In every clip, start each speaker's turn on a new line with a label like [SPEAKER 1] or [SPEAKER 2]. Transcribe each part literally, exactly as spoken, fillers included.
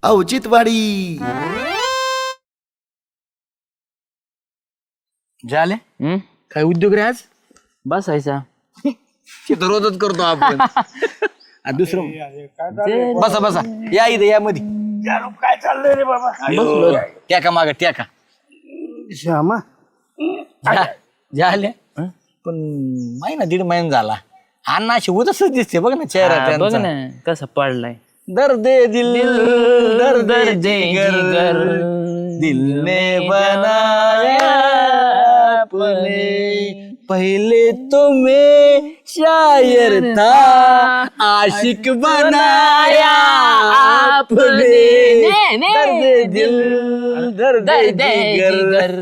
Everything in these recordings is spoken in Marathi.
[SPEAKER 1] औचित्यवाडी.
[SPEAKER 2] झाले
[SPEAKER 3] हम्म
[SPEAKER 2] काय उद्योग रे आज?
[SPEAKER 3] बसायचा
[SPEAKER 2] ते तर रोजच करतो आपण. आणि दुसरं बसा बसा या इथे या मध्ये
[SPEAKER 4] काय चाललंय रे बाबा?
[SPEAKER 2] बसलो त्या का माग त्या का
[SPEAKER 4] श्यामा
[SPEAKER 2] झाले पण महिना दीड महिना झाला अण्णा अशी उदासच दिसते बघ ना चेहरा
[SPEAKER 3] हा, बघ
[SPEAKER 2] त्यांचा.
[SPEAKER 3] ना कसा पडलाय.
[SPEAKER 2] दर्द दिल दर्द जिगर दिल ने बनाया अपने पहले तो मैं शायर था आशिक बनाया आपने दर्द दिल दर्द जिगर.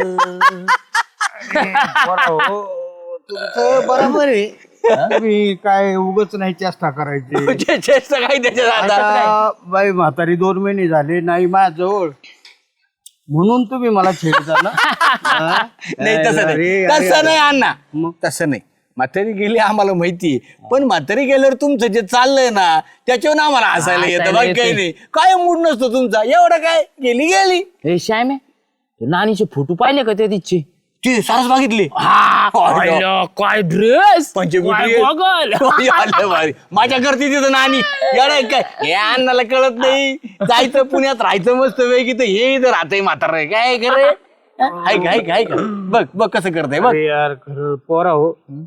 [SPEAKER 4] तुमचं बरोबर आहे. तुम्ही काय उगच नाही चेष्टा करायची.
[SPEAKER 2] चे- चेष्टा काय त्याच्यात आता?
[SPEAKER 4] आता बाई म्हातारी दोन महिने झाले नाही माझ्याजवळ म्हणून तुम्ही मला छेडता ना. हा?
[SPEAKER 2] नाही तसं
[SPEAKER 4] अरे,
[SPEAKER 2] नाही
[SPEAKER 4] अरे,
[SPEAKER 2] तसं
[SPEAKER 4] अरे.
[SPEAKER 2] नाही अण्णा तसं नाही. म्हातारी गेली आम्हाला माहिती पण म्हातारी गेल्यावर तुमचं जे चाललंय ना त्याच्यावर आम्हाला हसायला येतं.
[SPEAKER 3] हसायला
[SPEAKER 2] बाकी काही
[SPEAKER 3] येतं.
[SPEAKER 2] नाही काय मूड नसतो तुमचा एवढं काय गेली गेली
[SPEAKER 3] हे श्याम आहे ते नानीचे फोटो पाहिले का त्या तिचे?
[SPEAKER 2] ती सारस बघितली
[SPEAKER 3] हा पाहिलं. काय ड्रेस
[SPEAKER 2] पंचकुटी
[SPEAKER 3] बघल
[SPEAKER 2] माझ्या करते तिथं नानी एवढं काय हे अण्णाला कळत नाही. जायचं पुण्यात राहायचं मस्त वेगळी तर हे इथं राहतंय म्हातारं काय करे ऐक ऐक ऐक बघ बघ कसं करतंय बघ.
[SPEAKER 4] अरे यार खरं पोरा हो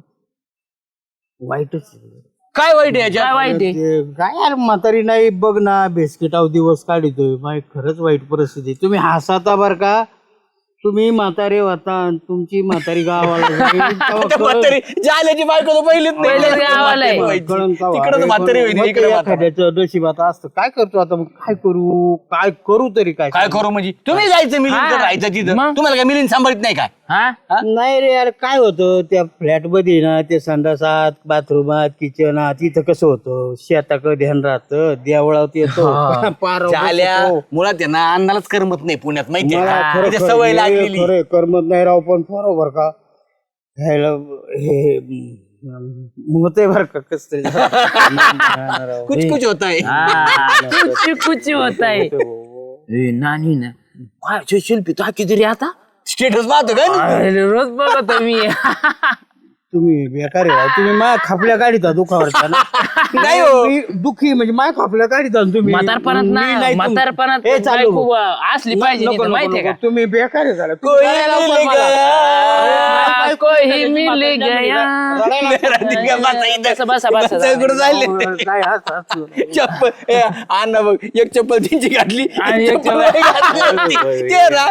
[SPEAKER 4] वाईटच आहे.
[SPEAKER 2] काय वाईट आहे
[SPEAKER 3] काय
[SPEAKER 2] याच्यात?
[SPEAKER 3] वाईट आहे?
[SPEAKER 4] ते काय यार म्हातारी नाही बघ ना बेस्किटाव दिवस काढतोय माय खरंच वाईट परिस्थिती. तुम्ही हसाता बर का. तुम्ही म्हातारे होता आणि तुमची म्हातारी गावाला जाईल, तेव्हा
[SPEAKER 2] त्या म्हातारी जाल्याची बायको तर पहिलीच नाही.
[SPEAKER 3] पहिलेच गावाला आहे.
[SPEAKER 4] कळण तेव्हा.
[SPEAKER 2] तिकडं तर म्हातारी होईल
[SPEAKER 4] मग
[SPEAKER 2] इकडे
[SPEAKER 4] ते एखाद्याचं नशिबात असतं. काय करतो आता मग काय करू काय करू तरी काय
[SPEAKER 2] काय करू म्हणजे तुम्ही जायचं मिलिंद
[SPEAKER 3] हा.
[SPEAKER 2] राहायचं तिथं
[SPEAKER 3] मग?
[SPEAKER 2] तुम्हाला काय मिलिंद सांभाळत नाही काय?
[SPEAKER 3] हा
[SPEAKER 4] नाही रे यार काय होतं त्या फ्लॅट मध्ये ना ते संडासात बाथरूमात किचनात तिथं कसं होतं शेताकडे ध्यान राहतं देवळात येतो पार
[SPEAKER 2] झाल्या मुळात आहे ना अन्नालाच करमत नाही पुण्यात माहितीये
[SPEAKER 4] मला
[SPEAKER 2] का?
[SPEAKER 4] खरं-
[SPEAKER 2] तिथे
[SPEAKER 4] खरं-
[SPEAKER 2] सवय
[SPEAKER 4] हे
[SPEAKER 2] लागलेली.
[SPEAKER 4] खरं करमत नाही राव पण बरोबर का ह्याला हे होते बर का कस तरी
[SPEAKER 2] कुछ कुछ होत आहे.
[SPEAKER 3] कुची कुची होत आहे. नानी ना काय शिल्पी तो किती रे आता
[SPEAKER 2] स्टेटस पाहतो का ना?
[SPEAKER 3] अरे, रोज बघतो मी.
[SPEAKER 4] तुम्ही बेकार आहे राव. तुम्ही माया खापल्या काढिता दुखावरच्या ना.
[SPEAKER 2] नाही हो.
[SPEAKER 4] मी दुखी म्हणजे माया खापल्या काढिता ना तुम्ही
[SPEAKER 3] म्हातारपणात
[SPEAKER 4] मी
[SPEAKER 3] ना
[SPEAKER 4] नाही तुम-
[SPEAKER 3] म्हातारपणात
[SPEAKER 4] हे चालू
[SPEAKER 3] बायको असली पाहिजे
[SPEAKER 4] नको,
[SPEAKER 3] तिथं,
[SPEAKER 4] नको,
[SPEAKER 3] माहितीये
[SPEAKER 4] नको.
[SPEAKER 3] का?
[SPEAKER 4] तुम्ही बेकार आहे झाला.
[SPEAKER 2] कोई मिल
[SPEAKER 3] आ, कोई मिल गया.
[SPEAKER 2] गया. बसा इथं.
[SPEAKER 3] बसा, बसा, बसा.
[SPEAKER 2] बसा, इकडं जायले.
[SPEAKER 4] काय हात हात
[SPEAKER 2] चप्पल ए, अण्णा बघ एक चप्पल त्यांची घातली
[SPEAKER 3] आणि एक
[SPEAKER 2] चप्पल नाही घातली होती. ते ना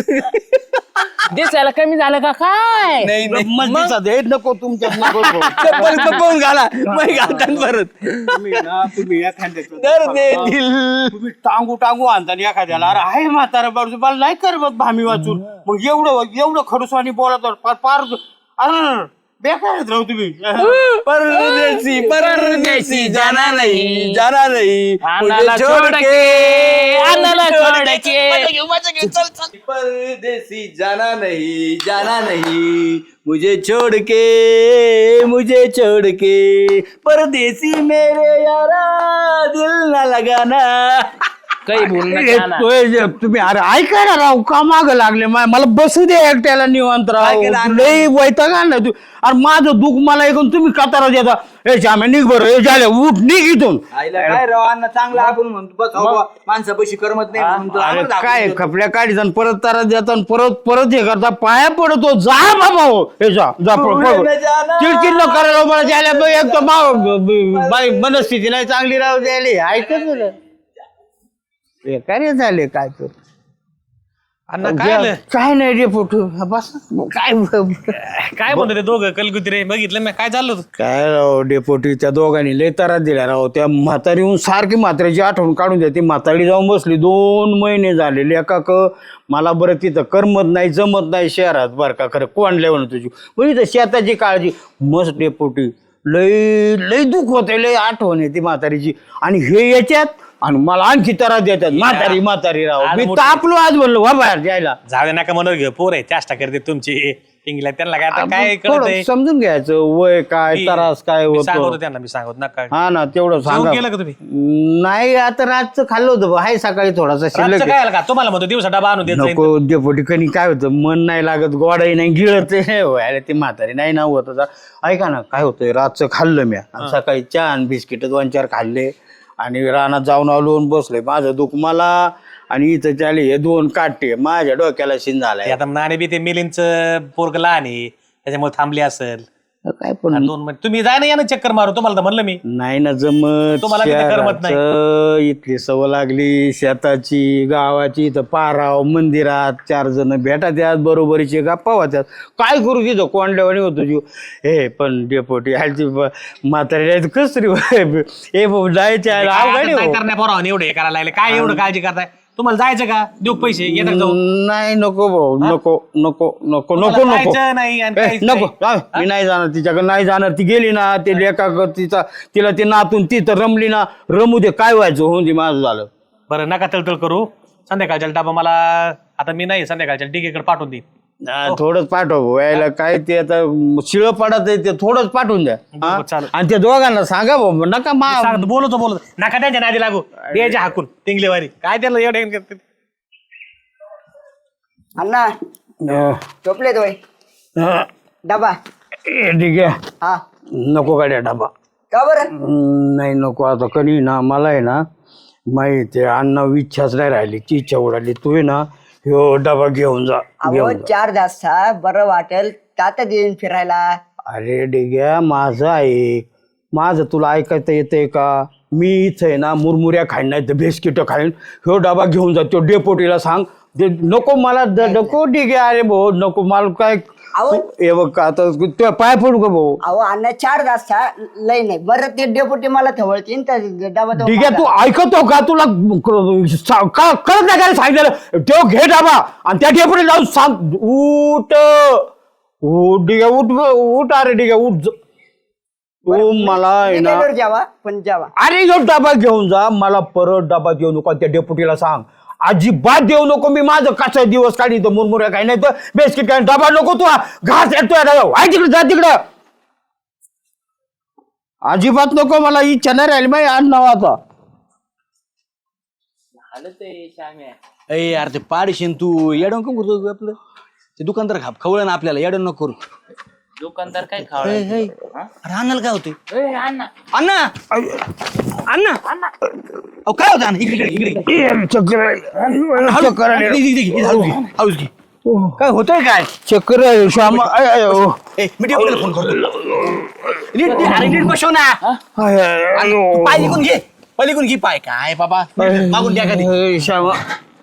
[SPEAKER 3] दिसायला कमी झालं का काय?
[SPEAKER 2] नाही नाही
[SPEAKER 4] मस्तीचा दे नको तुमच्यात नको भाऊ.
[SPEAKER 2] चप्पल पळून घाला मग घालतात परत.
[SPEAKER 4] तुम्ही ना तुम्ही एखाद्याचं
[SPEAKER 2] तर दे दिल
[SPEAKER 4] तुम्ही टांगू टांगू आणता एखाद्याला अरे आहे म्हातारा बाजू मला नाही करमत भामी वाचून मग एवढं एवढं खडूसवानी बोलत पार पार अरे बेकार आहेत राव तुम्ही.
[SPEAKER 2] परदेसी परदेसी जाना नहीं जाना नहीं
[SPEAKER 3] अन्नाला
[SPEAKER 2] मुझे छोड़
[SPEAKER 3] छोड़
[SPEAKER 2] के
[SPEAKER 3] के, अन्नाला छोड़ के.
[SPEAKER 2] मजा घेऊ, मजा घेऊ, चल, चल. परदेसी जाना नहीं जाना नहीं मुझे छोड़ के मुझे छोड़ के परदेसी मेरे यारा दिल ना लगाना.
[SPEAKER 3] काही बोल
[SPEAKER 4] ए, तोय जे तुम्ही अरे ऐका ना राव का माग लागले मा- मला बसू दे एकट्याला निवांत
[SPEAKER 2] काय
[SPEAKER 4] राव
[SPEAKER 2] केलं अण्णा?
[SPEAKER 4] लई वैताग आणला तू अरे माझं दुःख मला ऐकून तुम्ही कतारा देता ए श्याम्या निघ बरं हे झालं उठ निघ इथून.
[SPEAKER 2] आईला काय राव अण्णा चांगलं आपण म्हणतो बस हो बा, माणसापाशी करमत नाही म्हणून तुला
[SPEAKER 4] अरे
[SPEAKER 2] आम्हाला
[SPEAKER 4] काय
[SPEAKER 2] दाखवतो.
[SPEAKER 4] खपल्या काढीचा आणि परत तारा देता आणि परत परत हे करता पाया पडतो जा बाबा हो हे जा जा पळ, पळ, पळ.
[SPEAKER 2] पुढे जाना.
[SPEAKER 4] चिडचिड न करायला मला द्यायला बघ, एक तर मा- बाई मनस्थिती नाही चांगली राहू द्यायला ऐकत बेकारी झाले काय तर
[SPEAKER 5] अण्णा काय आलं?
[SPEAKER 4] काय नाही रे फोटो बस काय
[SPEAKER 5] काय म्हणतो ते दोघं कलकुत्रे बघितलं मी काय चाललं होतं?
[SPEAKER 4] काय राव डेपोटी त्या दोघांनी लय तारा दिल्या राव त्या म्हातारीहून सारखी म्हातारीची आठवण काढून द्या ती म्हातारी जाऊन बसली दोन महिने झालेले एका क मला बरं तिथं करमत नाही जमत नाही शहरात बरं का खरं कोण लेवण तुझी पण इथं शेताची काळजी मस्त डेपोटी लय लय दुःख होते लय आठवण येते म्हातारीची आणि हे याच्यात आणि मला आणखी तरा देतात म्हातारी म्हातारी राव मी तापलो आज बोललो वा बाहेर जायला
[SPEAKER 5] जाऊ दे नका म्हणून घे पोर आहे चेष्टा करते तुमची टिंगला त्यांना काय आता काय
[SPEAKER 4] थोडं
[SPEAKER 5] कळत
[SPEAKER 4] समजून घ्यायचं वय काय त्रास काय
[SPEAKER 5] सांगतो
[SPEAKER 4] होतो
[SPEAKER 5] त्यांना मी सांगतो नका
[SPEAKER 4] हा ना तेवढं
[SPEAKER 5] जेवण
[SPEAKER 4] सांगा
[SPEAKER 5] केलं का तुम्ही
[SPEAKER 4] नाही आता रातचं खाल्लं होतं हाय सकाळी थोडासा
[SPEAKER 5] रातचं
[SPEAKER 4] शिल्लक
[SPEAKER 5] काय आलं का तुम्हाला म्हणतो दिवसा डबा आणून देत जाईन.
[SPEAKER 4] नको डेपोटी कणी काय होतं मन नाही लागत गोडाही नाही गिळत व्हायला ते म्हातारी नाही ना होत आता. ऐका ना काय होतंय रातचं खाल्लं मी आणि सकाळी चहा आणि बिस्किट दोन चार खाल्ले आणि रानात जाऊन आलो आणि बसले माझं दुःख मला आणि इथं चाले हे दोन काटे माझ्या डोक्याला शिन
[SPEAKER 5] ते
[SPEAKER 4] झालाय
[SPEAKER 5] आता नाणे बी ते मिलिंदच पोरग लहान आहे त्याच्यामुळे थांबली असेल
[SPEAKER 4] काय पण
[SPEAKER 5] दोन महिने तुम्ही जाय ना या ना चक्कर मारू तुम्हाला तर म्हणलं मी
[SPEAKER 4] नाही ना जमत
[SPEAKER 5] तुम्हाला तिथं करमत नाही.
[SPEAKER 4] शहराचं इथली सवय लागली शेताची गावाची इथं पाराव मंदिरात चार जण भेटा त्यात बरोबरीचे गप्पा होत्यात काय करू तिथं कोंडल्यावानी होतो जीव हे पण डेपोटी ह्याची म्हातारी कस तरी हे जायचे अवघड आहे हो.
[SPEAKER 5] करण्या पोरावाने एवढं हे करायला लागले काय एवढं काळजी करताय तुम्हाला जायचं का देऊ का पैसे येतात जाऊ
[SPEAKER 4] नाही नको भाऊ नको नको नको नको नको
[SPEAKER 5] जायचं नाही आणि
[SPEAKER 4] ए,
[SPEAKER 5] काहीच
[SPEAKER 4] नको
[SPEAKER 5] नाही.
[SPEAKER 4] जाऊ, मी नाही जाणार तिच्याकडे नाही जाणार ती गेली ना ते लेखा तिचा तिला ते नातून ती तर रमली ना रमू दे काय व्हायचं होऊन दे माझं झालं
[SPEAKER 5] बरं नका तळतळ करू संध्याकाळच्या डबा मला आता मी नाही संध्याकाळच्या डिगेकडे पाठवून देईन
[SPEAKER 4] हा, थोडंच पाठव यायला काय ते आता शिळ पडत आहे ते थोडंच पाठवून द्या हा?
[SPEAKER 5] बरं, चालेल.
[SPEAKER 4] आणि त्या दोघांना सांगा भाऊ नका मा
[SPEAKER 5] सांगतो बोलतो बोलतो नका त्यांच्या नादी लागू द्यायचे हाकून टिंगलेवारी काय त्याला एवढे
[SPEAKER 1] अण्णा
[SPEAKER 4] अं,
[SPEAKER 1] झोपले तो
[SPEAKER 4] अं,
[SPEAKER 1] डबा
[SPEAKER 4] ए, ठीक आहे
[SPEAKER 1] हा
[SPEAKER 4] नको गाड्या डबा
[SPEAKER 1] का बरं
[SPEAKER 4] हम्म, नाही नको आता कधी ना मला आहे ना माहिती आहे अण्णा इच्छाच नाही राहिली ती इच्छा उडाली तू आहे ना ह्यो डबा घेऊन जा
[SPEAKER 1] अहो
[SPEAKER 4] घेऊन जा
[SPEAKER 1] चार तासा बरं वाटेल तात्या देईन फिरायला
[SPEAKER 4] अरे डिग्या माझं आहे माझं तुला ऐकायचं येतंय का मी इथं आहे ना मुरमुऱ्या खाईन नाही तर बिस्किट खाईन ह्यो डबा घेऊन जा तो डेपोटीला सांग दे नको मला द- नको डिग्या अरे भाऊ नको मला काय
[SPEAKER 1] अहो
[SPEAKER 4] हे बघ का आता तुझ्या पाय पडू का भाऊ
[SPEAKER 1] अहो अण्णा चार तासा लय नाही बरं ते डेपुटी मला ठेवळतीन तर डबा तो
[SPEAKER 4] डिग्या तू
[SPEAKER 1] माझा.
[SPEAKER 4] ऐकतो का तुला क- सा- का- कळत नाही काय सांगितलं तो घे डबा आणि त्या डेपोटी जाऊन सांग उठ उठ डिग्या उठ उठ अरे डिग्या उठ ज- तू मला आहे
[SPEAKER 1] मी
[SPEAKER 4] ना
[SPEAKER 1] गेल्यावर जेवा पण जेवा
[SPEAKER 4] अरे जो डबा घेऊन जा मला परत डबा देऊ नको त्या डेपुटीला सांग अजिबात देऊ नको मी माझं कसा दिवस काढी तो मुरमुऱ्या काही नाही तर बिस्किट काही डबा नको तू घास येतोय वाय तिकडे जा तिकडं अजिबात नको मला इच्छा नाही राहिली माहिती आण नाव आता
[SPEAKER 2] अरे यार ते पाडशीन तू येडवण कम करतो आपलं ते दुकानदार खाप खवळ ना आपल्याला येडवण नको करू
[SPEAKER 3] दुकानदार काय खाव
[SPEAKER 2] अरे अण्णाला काय होतंय
[SPEAKER 3] अण्णा
[SPEAKER 2] अण्णा अण्णा अहो काय होतं अण्णा इकडे इकडे इकडे
[SPEAKER 4] चक्कर
[SPEAKER 2] हळू-
[SPEAKER 4] चक्कर आली.
[SPEAKER 2] इकडे- इकडे- इकडे- हाऊस घे, हाऊस घे. काय होतंय काय
[SPEAKER 4] चक्कर आहे, श्यामा आय, आय, ओ.
[SPEAKER 2] ए मी डेपुटीला फोन करतो नीट नीट- अरे नीट बसव ना
[SPEAKER 4] आय, आय, आय, ओ.
[SPEAKER 2] पाय लिकून घे पलीकडून घे पाय काय बाबा मागून द्या कधी
[SPEAKER 4] आय, श्यामा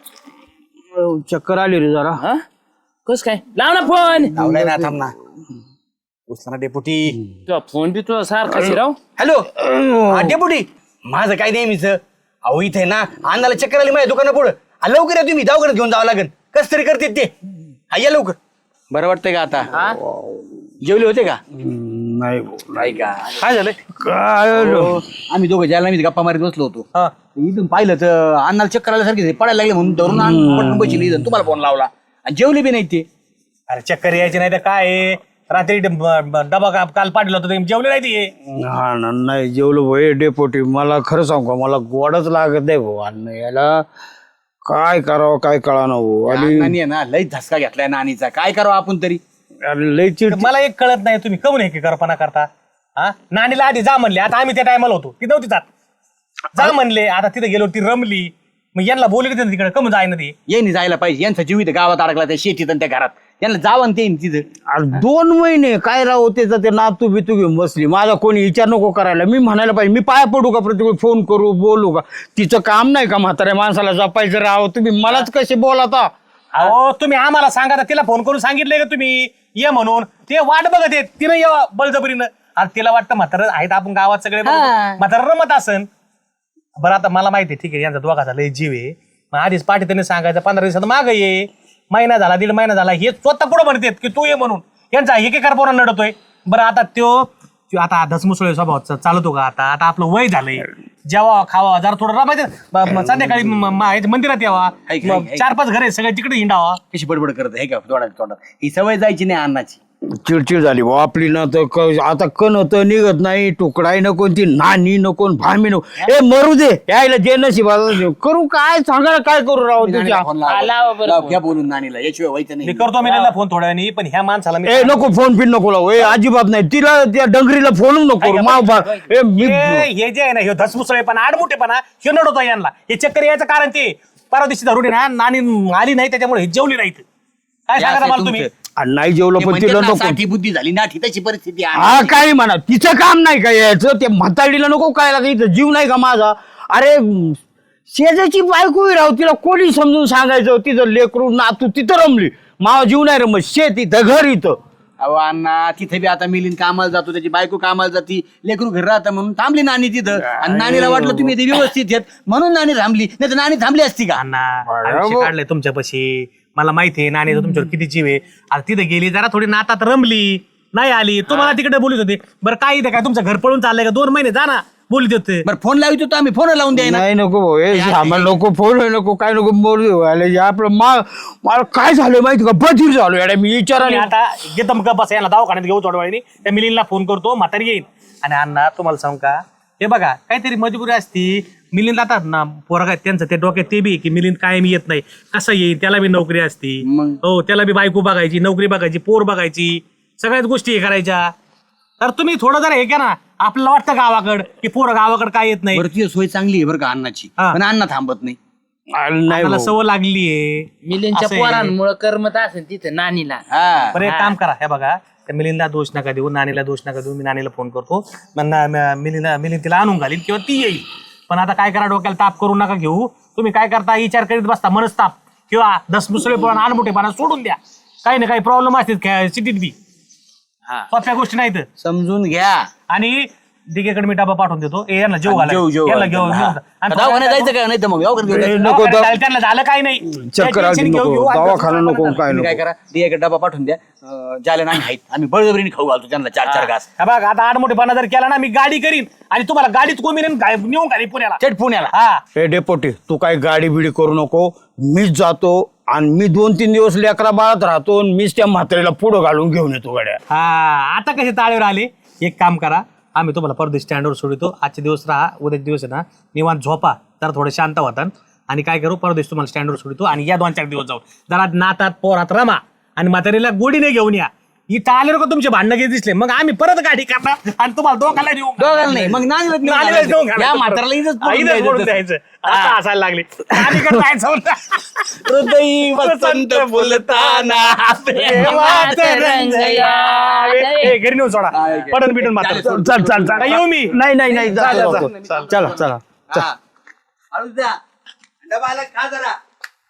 [SPEAKER 4] ओ, चक्कर आली रे जरा
[SPEAKER 3] कस काय लाव ना फोन
[SPEAKER 2] लावलाय ना थांब ना उचला ना डेपुटी
[SPEAKER 3] तुझा फोन बी तुझा सारखा शिराव
[SPEAKER 2] हॅलो हा डेपुटी माझं काय नेहमीच अहो इथे ना अण्णाला चक्कर आली माझ्या दुकाना पुढं आ, लवकर या तुम्ही दवाखान्यात घेऊन जावं लागेल कस तरी करते ते हा या लवकर बरं वाटतंय का आता जेवले होते का
[SPEAKER 4] नाही
[SPEAKER 2] नाही का
[SPEAKER 5] काय झालं
[SPEAKER 4] काय
[SPEAKER 2] हो, आम्ही दोघं ज्याला मी गप्पा मारीत बसलो होतो
[SPEAKER 5] हा
[SPEAKER 2] इथून पाहिलं तर अण्णाला चक्कर आल्यासारखे पडायला लागले म्हणून धरून पटकन बसली इथं तुम्हाला फोन लावला आणि जेवले बी नाही ते
[SPEAKER 5] अरे चक्कर यायची नाही तर काय आहे? रात्री ड- ब- डबा का- काल पाठवला होता ते जेवले नाही ते
[SPEAKER 4] हा ना नाही जेवलो भाई डेपोटी मला खरं सांगू का मला गोडच लागत नाही भाऊ अन्न याला काय करावं काय कळा ना भाऊ आणि
[SPEAKER 2] अण्णांनी आहे ना लई धसका घेतलाय नानीचा काय करावं आपण तरी
[SPEAKER 4] अरे लय चिड
[SPEAKER 5] मला एक कळत नाही तुम्ही कमून हे करपणा करता हा नानीला आधी जा म्हणले आता आम्ही त्या टायमाला होतो ती नव्हती जात जा म्हणले आता तिथे गेलो ती रमली मग यांना बोलले तिकडे कमून जाय ना ती
[SPEAKER 2] येईन जायला पाहिजे यांचा जीव इथं गावात अडकला त्या शेतीत आणि त्या घरात यांना जावं ते तिथं
[SPEAKER 4] अरे दोन महिने काय राहू त्याचं ते नातू बितू घेऊन बसली माझा कोणी विचार नको करायला मी म्हणायला पाहिजे मी पाया पडू का प्रत्येक फोन करू बोलू का तिचं काम नाही का म्हाताऱ्या माणसाला जपायचं राव तुम्ही मलाच कसे बोलाता
[SPEAKER 5] अहो तुम्ही आम्हाला सांगा तर तिला फोन करून सांगितले का तुम्ही ये म्हणून ते वाट बघत येत तिनं ये बळजबरीनं आता तिला वाटतं म्हातारं आहेत आपण गावात सगळे म्हातारं रमत असन बरं आता मला माहिती आहे ठीक आहे यांचा दोघाचा लय जीव आहे मग आधीच पाठी त्यांनी सांगायचं पंधरा दिवसात माग ये महिना झाला दीड महिना झाला हे स्वतः पुढे म्हणतात की तू ये म्हणून यांचा एक एकार पोरा नडतोय बरं आता त्यो त्यो आता धसमुसळे स्वभाव चालतो का आता आता आपलं वय झालंय जेवा खावा जरा थोडं रमायचं ब- म- संध्याकाळी म- म- ह्याच्या मंदिरात यावा
[SPEAKER 2] ऐक, ऐक,
[SPEAKER 5] मग
[SPEAKER 2] ऐक.
[SPEAKER 5] चार पाच घर आहे सगळे तिकडे हिंडावा.
[SPEAKER 2] कशी बडबड करत आहे का तोंडात तोंडात ही सवय जायची नाही अन्नाची.
[SPEAKER 4] चिडचिड झाली भाऊ आपली ना तर क- आता कण तर निघत नाही तुकडाही नको ती नानी नको भामी नको ए मरू दे यायला जे नशिबाचं करू काय सांगा ना, काय करू राव तुझ्या
[SPEAKER 2] नानीला फोन लावा.
[SPEAKER 3] लावा बरं
[SPEAKER 2] लाव,
[SPEAKER 3] फोन.
[SPEAKER 2] घ्या बोलून नानीला याशिवाय व्हायचं
[SPEAKER 5] मी
[SPEAKER 2] नाही.
[SPEAKER 5] करतो मिलिंदला फोन थोड्या वेळाने पण ह्या माणसाला मी
[SPEAKER 4] ए नको फोन पिन नको लावू ए अजिबात नाही तिला त्या डंगरीला फोन नको करू माव बा ए मी
[SPEAKER 5] हे हे जे आहे ना हे धसमुसळे पण आडमुठेपणा हे नडवतो यांना हे चक्कर यायचं कारण ते परवा दिवशी धरून आहे ना नानी आली नाही त्याच्यामुळे हे जेवली नाही इथं. काय
[SPEAKER 2] हे
[SPEAKER 5] सांगा
[SPEAKER 2] असं
[SPEAKER 5] मला तुम्ही
[SPEAKER 2] तुमचं.
[SPEAKER 4] आणि नाही जेवलं
[SPEAKER 2] ते
[SPEAKER 4] पण
[SPEAKER 2] म्हणतात
[SPEAKER 4] तिला
[SPEAKER 2] ना,
[SPEAKER 4] नको
[SPEAKER 2] साठी बुद्धी झाली ना तशी परिस्थिती आहे.
[SPEAKER 4] हा काय म्हणा तिचं काम नाही का यायचं ते म्हाताडीला नको काय लागायचं इथं जीव नाही का माझा अरे म, शेजाची बायको उभी राहू तिला कोणी समजून सांगायचं तिथं लेकरू नातू तिथं रमली मावा जीव नाही रमत शेत इथं घर इथं
[SPEAKER 2] अहो अण्णा तिथे बी आता मिलिंद कामाला जातो त्याची बायको कामाला जाती लेकरू घरी राहतं म्हणून थांबली नानी तिथं आणि नानीला वाटलं तुम्ही ते व्यवस्थित आहेत म्हणून नानी थांबली नाही तर नानी थांबली असती का.
[SPEAKER 5] अण्णा आयुष्य काढलंय तुमच्यापाशी मला माहिती आहे नानीचा तुमच्यावर किती जीव आहे आता तिथे गेली जरा थोडी नातात रमली नाही आली तुम्हाला तिकडे बोलत होते बरं काय इथे काय तुमचं घर पळून चाललंय का दोन महिने जा ना बोलत होते
[SPEAKER 2] बरं फोन लावित होतो आम्ही फोन लावून द्याय ना.
[SPEAKER 4] नाही नको भाऊ हे सामान नको फोन नको काय नको बोलू आले आपलं मा मला काय झालं माहिती का बधीर झालो याडा मी
[SPEAKER 5] मी
[SPEAKER 4] विचाराने
[SPEAKER 5] आता घेतम का बस याला दवाखान्यात घेऊ थोड्या वेळाने त्या मिलिंदला फोन करतो म्हातारी येईल आणि अण्णा तुम्हाला सांगू का हे बघा काहीतरी मजबुरी असती मिलिंद आता ना पोरगा आहेत त्यांचं ते डोक्यात ते बी आहे की मिलिंद कायम येत नाही कसं येईल त्याला बी नोकरी असती
[SPEAKER 2] मग?
[SPEAKER 5] हो त्याला बी बायको बघायची नोकरी बघायची पोर बघायची सगळ्याच गोष्टी हे करायच्या तर तुम्ही थोडं जरा हे घ्या ना आपल्याला वाटतं गावाकड की पोरं गावाकड काय येत नाही
[SPEAKER 2] बरं ती सोय चांगली आहे बरं का अण्णाची
[SPEAKER 5] हा.
[SPEAKER 2] पण अण्णा थांबत नाही.
[SPEAKER 4] नाही
[SPEAKER 5] मला
[SPEAKER 4] भाऊ.
[SPEAKER 5] सवय लागलीये
[SPEAKER 3] मिलिंदच्या
[SPEAKER 5] असं आहे.
[SPEAKER 3] पोरांमुळे करमत असेल तिथं नानीला
[SPEAKER 2] हा
[SPEAKER 5] बरं एक काम करा हे बघा त्या मिलिंदला दोष नका देऊ नानीला दोष नका देऊ मी नानीला फोन करतो मग ना- म- मिलिंदला मिलिंद तिला आणून घालील किंवा ती येईल पण आता काय करा डोक्याला ताप करू नका घेऊ तुम्ही काय करता विचार करीत बसता मनस्ताप किंवा दसमुसळेपणा अनमोठेपणा सोडून द्या काही ना काही प्रॉब्लेम असतील सिटीत बी सोप्या गोष्टी नाहीत
[SPEAKER 2] समजून घ्या.
[SPEAKER 5] आणि दिगेकडे मी डबा पाठवून देतो ए यांना जेव घाला
[SPEAKER 2] जेव जेव
[SPEAKER 5] यांना घेऊन
[SPEAKER 2] हा.
[SPEAKER 5] घेऊन जा. आणि
[SPEAKER 2] दवाखान्यात जायचं का नाही तर मग यावर घेऊन
[SPEAKER 4] ए,
[SPEAKER 2] जायचं.
[SPEAKER 4] नको
[SPEAKER 5] दवाखान्यात
[SPEAKER 4] दवा-
[SPEAKER 5] जायला त्यांना झालं काही नाही
[SPEAKER 4] चक्कर
[SPEAKER 5] काही
[SPEAKER 4] आली
[SPEAKER 5] tension घेऊ-
[SPEAKER 4] नको
[SPEAKER 5] घेऊ. आणि
[SPEAKER 4] दवाखाना नको काय
[SPEAKER 2] तुम्ही काय
[SPEAKER 4] नको
[SPEAKER 2] करा दियाकडे डबा पाठवून द्या अं, ज्याला नाही आहेत आम्ही बळजबरीने खाऊ घालतो त्यांना चार चार घास.
[SPEAKER 5] हा बघ आता आडमोठेपणा जर केला ना मी गाडी करीन आणि तुम्हाला गाडीत कोमी नेऊन घाली पुण्याला
[SPEAKER 2] थेट पुण्याला.
[SPEAKER 5] हा
[SPEAKER 4] हे डेपोटी तू काय गाडी बिडी करू नको मीच जातो आणि मी दोन तीन दिवस लेकरा बाळात राहतो आणि मीच त्या म्हातारीला पुढं घालून घेऊन येतो गाड्या
[SPEAKER 5] हा आता कसे ताळेवर आले एक काम करा आम्ही तुम्हाला परदेश स्टँडवर सोडतो आजचे दिवस राहा उद्या दिवस आहे ना निवांत झोपा जरा थोडे शांत होतात आणि काय करू परदेश तुम्हाला स्टँडवर सोडतो आणि या दोन चार दिवस जाऊ जरा नातात पोरात रमा आणि म्हातारीला गोडीने घेऊन या इथं आले का तुमचे भांडणं घेत दिसले मग आम्ही परत गाडी करणार आणि तुम्हाला दोघांना नेऊ
[SPEAKER 2] दोघांना नाही मग नानीला नेऊन
[SPEAKER 5] नानीलाच
[SPEAKER 2] घालायचं.
[SPEAKER 5] नेऊन घालायचं.
[SPEAKER 2] या म्हाताराला इथंच
[SPEAKER 5] हा,
[SPEAKER 2] पडून
[SPEAKER 5] इथंच पडून
[SPEAKER 2] द्यायचं.
[SPEAKER 5] द्यायचं आता हसायला लागले नानीकडे जायचं होतं.
[SPEAKER 2] हृदयी वसंत फुलताना
[SPEAKER 5] प्रेमाचं रंग यावे. ए, घरी नेऊन सोडा पडून बिटून मात्र
[SPEAKER 4] चल चल चल
[SPEAKER 5] का येऊ मी
[SPEAKER 4] नाही नाही नाही
[SPEAKER 5] जा, जा,
[SPEAKER 4] जातो,
[SPEAKER 5] जा.
[SPEAKER 4] जातो. चला चला
[SPEAKER 2] हा. हळूच द्या. डबा आला खा जरा.